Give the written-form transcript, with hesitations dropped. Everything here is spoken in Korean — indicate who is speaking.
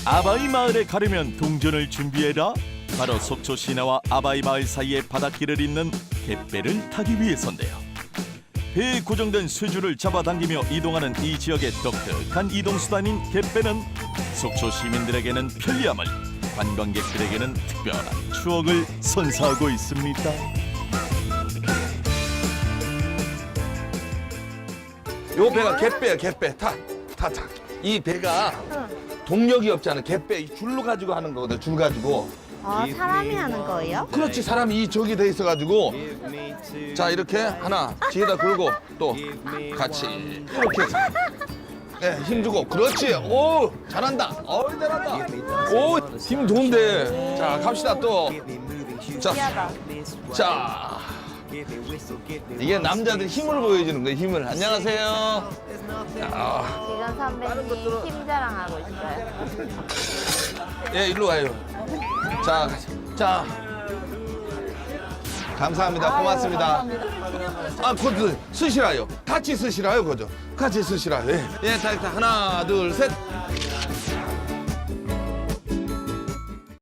Speaker 1: 아바이 마을에 가려면 동전을 준비해라. 바로 속초 시내와 아바이 마을 사이의 바닷길을 잇는 갯배를 타기 위해서인데요. 배에 고정된 쇠줄을 잡아당기며 이동하는 이 지역의 독특한 이동수단인 갯배는 속초 시민들에게는 편리함을, 관광객들에게는 특별한 추억을 선사하고 있습니다.
Speaker 2: 요 배가 갯배야, 갯배. 타. 이 배가 동력이 없잖아. 갯배 이 줄로 가지고 하는 거거든. 줄 가지고.
Speaker 3: 사람이 하는 거예요?
Speaker 2: 그렇지. 사람이 이 저기 돼 있어가지고. 자, 이렇게 하나 뒤에다 걸고 또 같이 이렇게 해서. 네, 힘 주고. 그렇지. 오, 잘한다. 잘한다. 오, 힘 좋은데. 자, 갑시다 또. 자. 이게 남자들 힘을 보여주는 거예요. 힘을. 안녕하세요.
Speaker 3: 지금 선배님 힘 자랑하고 있어요.
Speaker 2: 예, 일로 와요. 자. 감사합니다. 고맙습니다. 그것도 쓰시라요. 같이 쓰시라요, 그죠? 같이 쓰시라요. 예, 자, 하나, 둘, 셋.